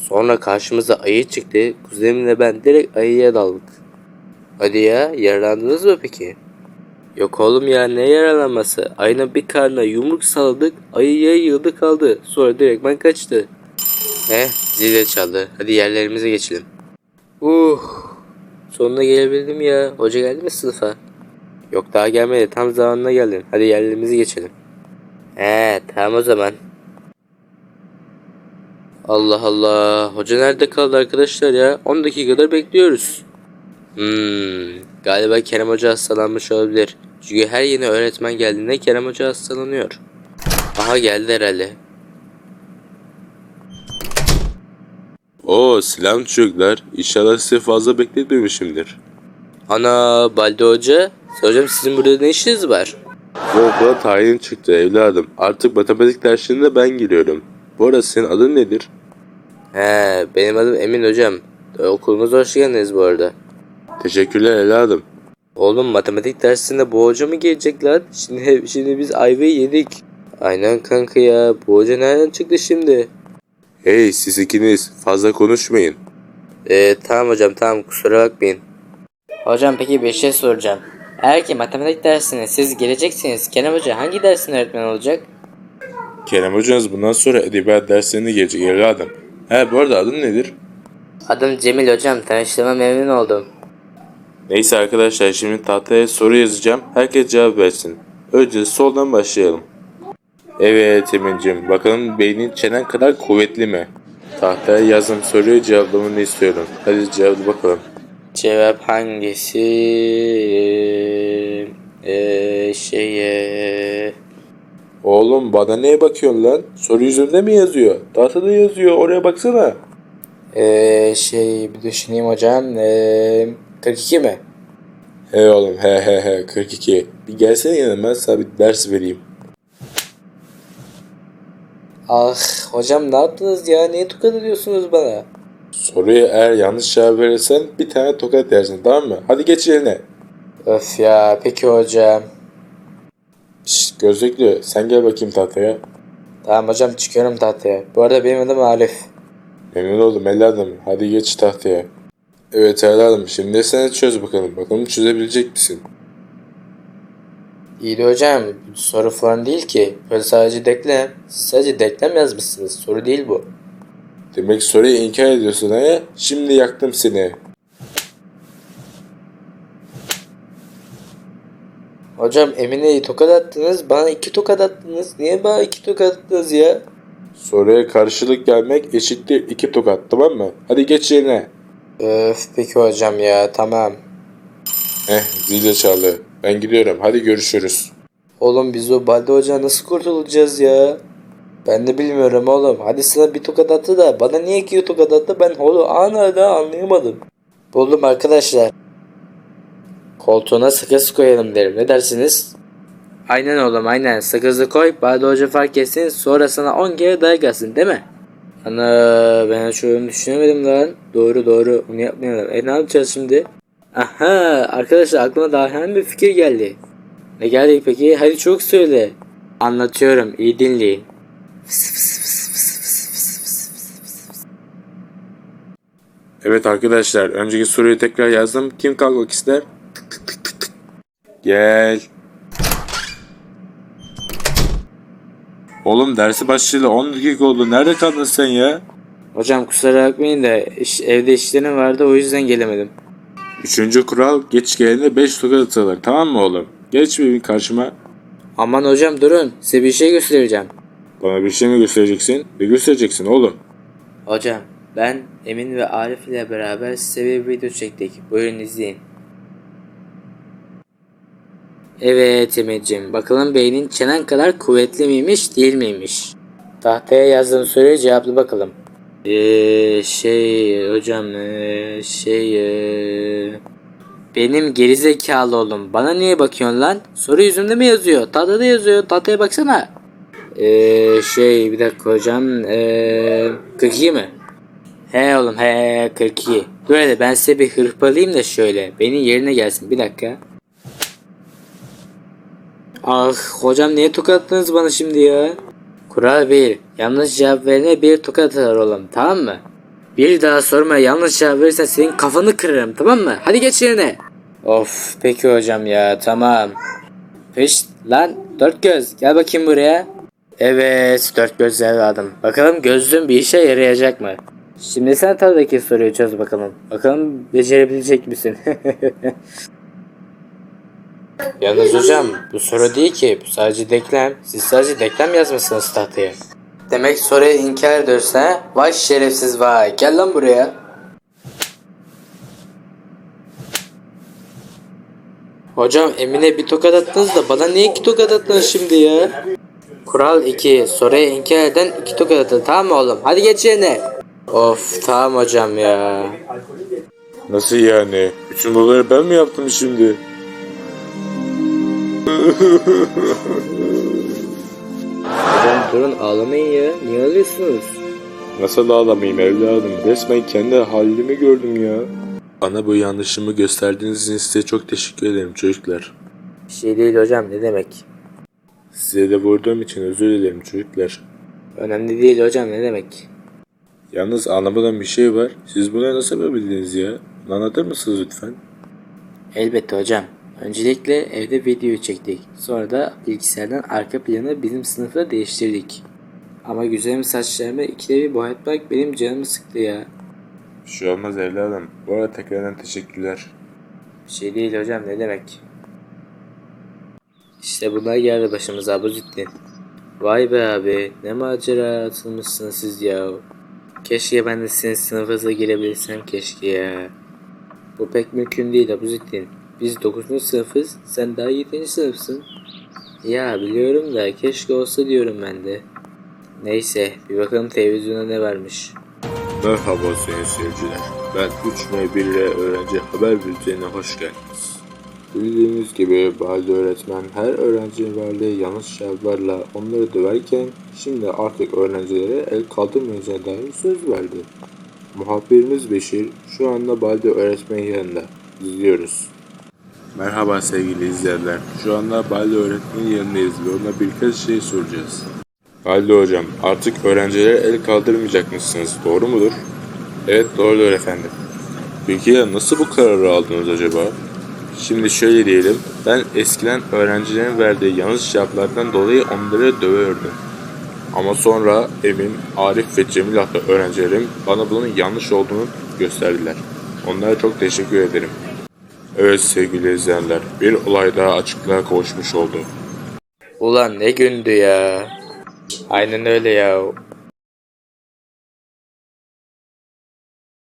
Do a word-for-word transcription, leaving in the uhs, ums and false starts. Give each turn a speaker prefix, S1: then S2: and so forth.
S1: Sonra karşımıza ayı çıktı. Kuzenimle ben direkt ayıya daldık. Hadi ya, yaralandınız mı peki? Yok oğlum ya, ne yaralanması? Ayının bir karnına yumruk salladık. Ayıya yıldı kaldı. Sonra direktmen kaçtı. Heh, zil de çaldı. Hadi yerlerimize geçelim. Uh, sonuna gelebildim ya. Hoca geldi mi sınıfa? Yok, daha gelmedi. Tam zamanına geldin. Hadi yerlerimize geçelim. He, tamam o zaman. Allah Allah. Hoca nerede kaldı arkadaşlar ya? on dakikadır bekliyoruz. Hmm, galiba Kerem Hoca hastalanmış olabilir. Çünkü her yeni öğretmen geldiğinde Kerem Hoca hastalanıyor. Aha, geldi herhalde.
S2: Oo, selam çocuklar. İnşallah sizi fazla bekletmemişimdir.
S1: Ana, Balde Hoca. Hocam, sizin burada ne işiniz var?
S2: Bu okula tayin çıktı evladım. Artık matematik derslerine ben giriyorum. Bu arada senin adın nedir?
S1: He, benim adım Emin hocam. E, Okulumuza hoş geldiniz bu arada.
S2: Teşekkürler evladım.
S1: Oğlum, matematik dersinde bu hoca mı gelecek lan? Şimdi, şimdi biz ayvayı yedik. Aynen kanka ya. Bu hoca nereden çıktı şimdi?
S2: Hey siz ikiniz fazla konuşmayın.
S1: Ee, tamam hocam, tamam, kusura bakmayın. Hocam, peki bir şey soracağım. Eğer ki matematik dersine siz geleceksiniz, Kerem Hoca hangi dersin öğretmen olacak?
S2: Kerem hocanız bundan sonra edebiyat derslerine gelecek evladım. He, bu arada adın nedir?
S1: Adım Cemil hocam, tanıştığıma memnun oldum.
S2: Neyse arkadaşlar, şimdi tahtaya soru yazacağım. Herkes cevap versin. Önce soldan başlayalım. Evet Emin'cim, bakalım beynin çenen kadar kuvvetli mi? Tahtaya yazdım soruyu, cevaplamanı istiyorum. Hadi cevapla bakalım.
S1: Cevap hangisi? Ee, şeye...
S2: Oğlum bana neye bakıyorsun lan? Soru yüzünde mi yazıyor? Tahtada yazıyor, oraya baksana.
S1: Ee, şey, bir düşüneyim hocam. Ee, kırk iki mi?
S2: He oğlum, he he he, kırk iki. Bir gelsene yanıma, ben sana bir ders vereyim.
S1: Ah hocam, ne yaptınız ya? Niye tokat ediyorsunuz bana?
S2: Soruya eğer yanlış cevap verirsen bir tane tokat yersin, tamam mı? Hadi geç yerine.
S1: Öf ya, peki hocam.
S2: Şşt gözlüklü, sen gel bakayım tahtaya.
S1: Tamam hocam, çıkıyorum tahtaya. Bu arada benim adım Arif.
S2: Memnun oldum evladım. Hadi geç tahtaya. Evet evladım, şimdi sen çöz bakalım. Bakalım çözebilecek misin?
S1: İyi de hocam, bu soru falan değil ki. Böyle sadece denklem. Siz sadece denklem yazmışsınız. Soru değil bu.
S2: Demek soruyu inkar ediyorsun ha? Şimdi yaktım seni.
S1: Hocam, Emine'yi tokat attınız. Bana iki tokat attınız. Niye bana iki tokat attınız ya?
S2: Soruya karşılık gelmek eşittir iki tokat, tamam mı? Hadi geç yerine.
S1: Öf, peki hocam ya, tamam.
S2: Eh, zil çaldı. Ben gidiyorum. Hadi görüşürüz.
S1: Oğlum, biz o Balde Hoca nasıl kurtulacağız ya? Ben de bilmiyorum oğlum. Hadi sana bir tokat attı da bana niye iki tokat attı, ben oğlum hala anlayamadım. Buldum arkadaşlar. Koltuğuna sakız koyalım derim. Ne dersiniz? Aynen oğlum, aynen. Sakızı koy. Balde Hoca fark etsin. Sonra sana on kere dayak atsın, değil mi? Ana, ben hiç öyle düşünemedim lan. Doğru doğru. Onu yapmayalım. E, ne yapacağız şimdi? Aha, arkadaşlar, aklıma daha hemen bir fikir geldi. Ne geldi peki? Hadi çok söyle. Anlatıyorum. İyi dinleyin.
S2: Evet arkadaşlar, önceki soruyu tekrar yazdım. Kim kalkmak ister? Tık tık tık tık tık. Gel. Oğlum dersi başlayalı on dakika oldu. Nerede kaldın sen ya?
S1: Hocam, kusura bakmayın da iş, evde işlerim vardı, o yüzden gelemedim.
S2: Üçüncü kural, geç gelene beş tokat atılır, tamam mı oğlum? Geç bir karşıma.
S1: Aman hocam, durun. Size bir şey göstereceğim.
S2: Bana bir şey mi göstereceksin? Bir göstereceksin oğlum.
S1: Hocam, ben Emin ve Arif ile beraber size bir video çektik. Buyurun izleyin. Evet Emin'cim, bakalım beynin çenen kadar kuvvetli miymiş değil miymiş? Tahtaya yazdığım soruyu cevapla bakalım. Eee şey hocam ee, şey ee... Benim gerizekalı oğlum, bana niye bakıyorsun lan? Soru yüzümde mi yazıyor? Tahtada yazıyor, tahtaya baksana. Eee şey bir dakika hocam, eee kırk iki mi? He oğlum, he kırk iki. Dur hadi, ben size bir hırpalayayım da şöyle. Benim yerine gelsin, bir dakika. Ah hocam, niye tokattınız bana şimdi ya? Kural bir. Yanlış cevap verene bir tokat atar oğlum, tamam mı? Bir daha sorma, yanlış cevap verirsen senin kafanı kırarım, tamam mı? Hadi geç yerine. Of peki hocam ya, tamam. Peş lan dört göz, gel bakayım buraya. Evet dört göz evladım. Bakalım gözlüğün bir işe yarayacak mı? Şimdi sen tabii soruyu çöz bakalım. Bakalım becerebilecek misin? Yalnız hocam bu soru değil ki, bu sadece denklem. Siz sadece denklem yazmışsınız tahtaya. Demek soruyu inkar ediyorsun ha? Vay şerefsiz vay, gel lan buraya. Hocam Emine bir tokat attınız da bana niye iki tokat attınız şimdi ya? Kural iki, soruyu inkar eden iki tokat atın, tamam mı oğlum? Hadi geç yerine. Of tamam hocam ya.
S2: Nasıl yani? Bütün bunları ben mi yaptım şimdi?
S1: Hocam durun ağlamayın ya, niye ağlıyorsunuz?
S2: Nasıl ağlamayayım evladım? Resmen kendi halimi gördüm ya. Bana bu yanlışımı gösterdiğiniz için size çok teşekkür ederim çocuklar.
S1: Bir şey değil hocam, ne demek?
S2: Size de vurduğum için özür dilerim çocuklar.
S1: Önemli değil hocam, ne demek?
S2: Yalnız anlamadan bir şey var. Siz buna nasıl yapabildiniz ya? Anlatır mısınız lütfen?
S1: Elbette hocam. Öncelikle evde video çektik. Sonra da bilgisayardan arka planı bizim sınıfta değiştirdik. Ama güzelim saçlarımı ikide bir boyatmak benim canımı sıktı ya.
S2: Bir şey olmaz evladım. Bu arada tekrardan teşekkürler.
S1: Bir şey değil hocam, ne demek? İşte bunlar geldi başımıza, bu ciddi. Vay be abi, ne macera atılmışsınız siz ya. Keşke ben de sizin sınıfınıza girebilsem keşke ya. Bu pek mümkün değil Abuzettin. Biz dokuzuncu sınıfız, sen daha yedinci sınıfsın. Ya biliyorum da keşke olsa diyorum ben de. Neyse, bir bakalım televizyona ne varmış.
S2: Merhaba sayın seyirciler. Ben üç M bir ile öğrenci haber bültenine hoş geldiniz. Bildiğiniz gibi Baldi öğretmen her öğrencinin verdiği yanlış cevaplarla onları döverken şimdi artık öğrencilere el kaldırmayacağına dair söz verdi. Muhabirimiz Beşir şu anda Baldi öğretmenin yanında. İzliyoruz. Merhaba sevgili izleyenler. Şu anda Baldi öğretmenin yanındayız ve ona birkaç şey soracağız. Baldi hocam, artık öğrencilere el kaldırmayacakmışsınız, doğru mudur? Evet, doğrudur efendim. Peki ya nasıl bu kararı aldınız acaba? Şimdi şöyle diyelim, ben eskiden öğrencilerin verdiği yanlış cevaplardan dolayı onları dövüyordum. Ama sonra Emin, Arif ve Cemil adlı öğrencilerim bana bunun yanlış olduğunu gösterdiler. Onlara çok teşekkür ederim. Evet sevgili izleyenler, bir olay daha açıklığa kavuşmuş oldu.
S1: Ulan ne gündü ya. Aynen öyle ya.